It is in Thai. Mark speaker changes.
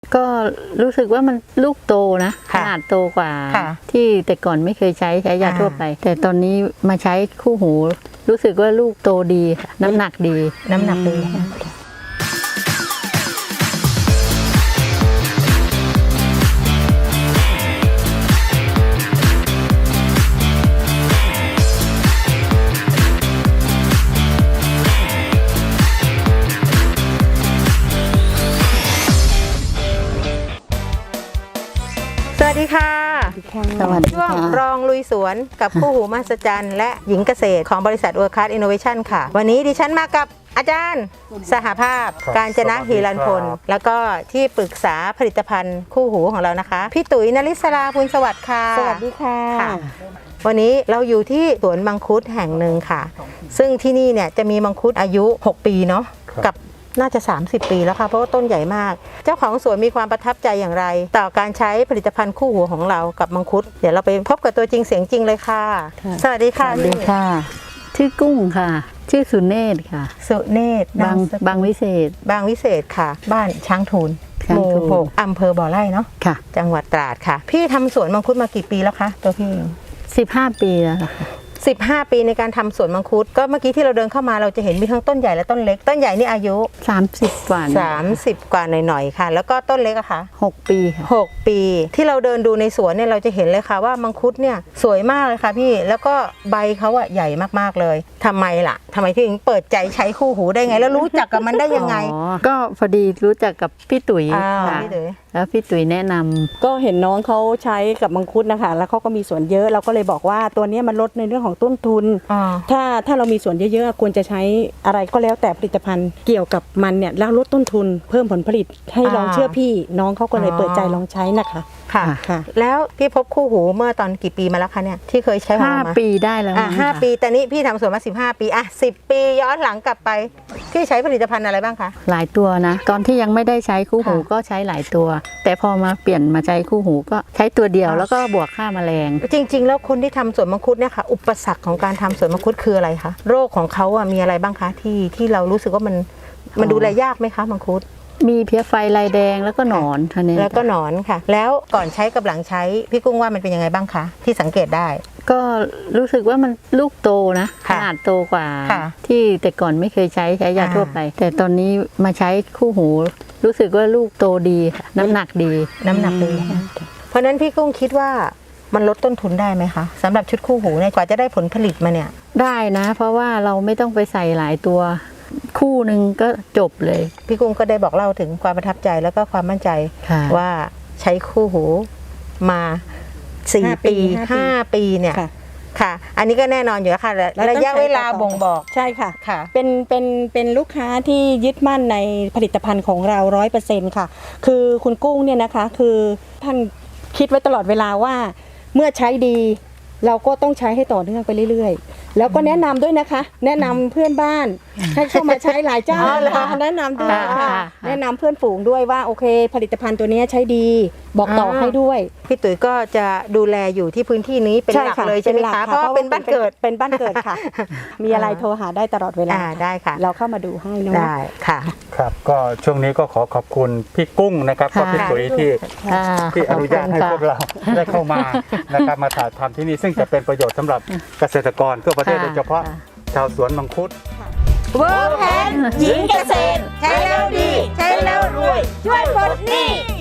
Speaker 1: ก็รู้สึกว่ามันลูกโตนะขนาดโตกว่าที่แต่ก่อนไม่เคยใช้ยาทั่วไปแต่ตอนนี้มาใช้คู่หูรู้สึกว่าลูกโตดีค่ะน้ำหนักดี
Speaker 2: สวัสดีค่ะ
Speaker 1: สวัสดี
Speaker 2: ช่วง
Speaker 1: ค่ะ
Speaker 2: รองลุยสวนกับคู่หูมหัศจรรย์และหญิงเกษตรของบริษัท World Class Innovation ค่ะ วันนี้ดิฉันมากับอาจารย์สหภาพการจนะฮีรันพลแล้วก็ที่ปรึกษาผลิตภัณฑ์คู่หูของเรานะคะพี่ตุ๋ยนริศราพูลสวัสดิ์ค่ะสวัสดีค่ะวันนี้เราอยู่ที่สวนมังคุดแห่งหนึ่งค่ะซึ่งที่นี่เนี่ยจะมีมังคุดอายุ6ปีเนาะกับน่าจะ30 ปีแล้วค่ะเพราะว่าต้นใหญ่มากเจ้าของสวนมีความประทับใจอย่างไรต่อการใช้ผลิตภัณฑ์คู่หูของเรากับมังคุดเดี๋ยวเราไปพบกับตัวจริงเสียงจริงเลยค่ะสวัสดีค่ะ
Speaker 1: สวัสดีค่ะชื่อกุ้งค่ะชื่อสุเนศค่ะ
Speaker 2: สุเนศ
Speaker 1: บางวิเศษ
Speaker 2: ค่ะบ้านช้างทูลหมู่6อำเภอบ่อไร่เนาะ
Speaker 1: ค่ะ
Speaker 2: จังหวัดตราดค่ะพี่ทำสวนมังคุดมากี่ปีแล้วคะตัวพี่
Speaker 1: 15 ปีแล้วค่ะ
Speaker 2: 15 ปีในการทำสวนมังคุดก็เมื่อกี้ที่เราเดินเข้ามาเราจะเห็นมีทั้งต้นใหญ่และต้นเล็กต้นใหญ่นี่อายุ
Speaker 1: 30 กว่า
Speaker 2: 30 กว่าหน่อยๆค่ะแล้วก็ต้นเล็กอะคะ
Speaker 1: 6 ปีค่ะ
Speaker 2: 6 ปีที่เราเดินดูในสวนเนี่ยเราจะเห็นเลยค่ะว่ามังคุดเนี่ยสวยมากเลยค่ะพี่แล้วก็ใบเขาอะใหญ่มากๆเลยทำไมล่ะทำไมถึงเปิดใจใช้คู่หูได้ไงแล้วรู้จักกับมันได้ยังไง
Speaker 1: ก็พอดีรู้จักกับพี่ตุ๋ยค่ะแล้วพี่ตุ๋ยแนะนำ
Speaker 3: ก็เห็นน้องเขาใช้กับมังคุดนะคะแล้วเขาก็มีสวนเยอะเราก็เลยบอกว่าตัวนี้มันลดในเรื่องของต้นทุนถ้าเรามีสวนเยอะๆควรจะใช้อะไรก็แล้วแต่ผลิตภัณฑ์เกี่ยวกับมันเนี่ยแล้วลดต้นทุนเพิ่มผลผลิตให้ลองเชื่อพี่น้องเขาก็เลยเปิดใจลองใช้นะคะ
Speaker 2: ค่ะแล้วพี่พบคู่หูเมื่อตอนกี่ปีมาแล้วคะเนี่ยที่เคยใช้ของเรามา
Speaker 1: 5 ปีได้แล้ว
Speaker 2: 5 ปีแต่นี้พี่ทำสวนมา15 ปี10 ปีย้อนหลังกลับไปพี่ใช้ผลิตภัณฑ์อะไรบ้างคะ
Speaker 1: หลายตัวนะตอนที่ยังไม่ได้ใช้คู่หูก็ใช้หลายตัวแต่พอมาเปลี่ยนมาใช้คู่หูก็ใช้ตัวเดียวแล้วก็บวกค่าแมลง
Speaker 2: จริงๆแล้วคนที่ทำสวนมังคุดเนี่ยค่ะอุปสรรคของการทำสวนมังคุดคืออะไรคะโรคของเขามีอะไรบ้างคะที่เรารู้สึกว่ามันดูแลยากไหมคะมังคุด
Speaker 1: มีเพี้ยไฟลายแดงแล้วก็หนอนท่านี้
Speaker 2: แล้วก็หนอนค่ะแล้วก่อนใช้กับหลังใช้พี่กุ้งว่ามันเป็นยังไงบ้างคะที่สังเกตได้
Speaker 1: ก็รู้สึกว่ามันลูกโตนะขนาดโตกว่าที่แต่ก่อนไม่เคยใช้ยาทั่วไปแต่ตอนนี้มาใช้คู่หูรู้สึกว่าลูกโตดีค่ะน้ำหนักดี
Speaker 2: เพราะนั้นพี่กุ้งคิดว่ามันลดต้นทุนได้ไหมคะสำหรับชุดคู่หูเนี่ยกว่าจะได้ผลผลิตมาเนี่ย
Speaker 1: ได้นะเพราะว่าเราไม่ต้องไปใส่หลายตัวคู่หนึ่งก็จบเลย
Speaker 2: พี่กุ้งก็ได้บอกเล่าถึงความประทับใจแล้วก็ความมั่นใจว่าใช้คู่หูมา4 ปี 5 ปีเนี่ยค่ะอันนี้ก็แน่นอนอยู่แล้วค่ะระยะเวลาบ่งบอก
Speaker 3: ใช่ค่ะเป็นลูกค้าที่ยึดมั่นในผลิตภัณฑ์ของเรา 100% ค่ะคือคุณกุ้งเนี่ยนะคะคือท่านคิดไว้ตลอดเวลาว่าเมื่อใช้ดีเราก็ต้องใช้ให้ต่อเนื่องไปเรื่อยๆแล้วก็แนะนำด้วยนะคะแนะนำเพื่อนบ้านให้เข้ามาใช้หลายเจ้านะคะแนะนำด้วยค่ะแนะนำเพื่อนฝูงด้วยว่าโอเคผลิตภัณฑ์ตัวนี้ใช้ดีบอกต่อให้ด้วย
Speaker 2: พี่ตุ๋ยก็จะดูแลอยู่ที่พื้นที่นี้เป็นหลักเลยใช่ไหมคะเพราะเป็นบ้านเกิดค่ะ
Speaker 3: มีอะไรโทรหาได้ตลอดเวลา
Speaker 2: ได้ค่ะ
Speaker 3: เราเข้ามาดูให้เนาะ
Speaker 2: ได้ค่ะ
Speaker 4: ครับก็ช่วงนี้ก็ขอบคุณพี่กุ้งนะครับก็พี่ตุ๋ยที่อนุญาตให้พวกเราได้เข้ามานะครับมาถ่ายทำที่นี่ซึ่งจะเป็นประโยชน์สำหรับเกษตรกรทั่วประเทศโดยเฉพาะชาวสวนมังคุด
Speaker 2: เวิร์คแพนหญิงเกษตรใช้แล้วดีใช้แล้วรวยช่วยปลดหนี้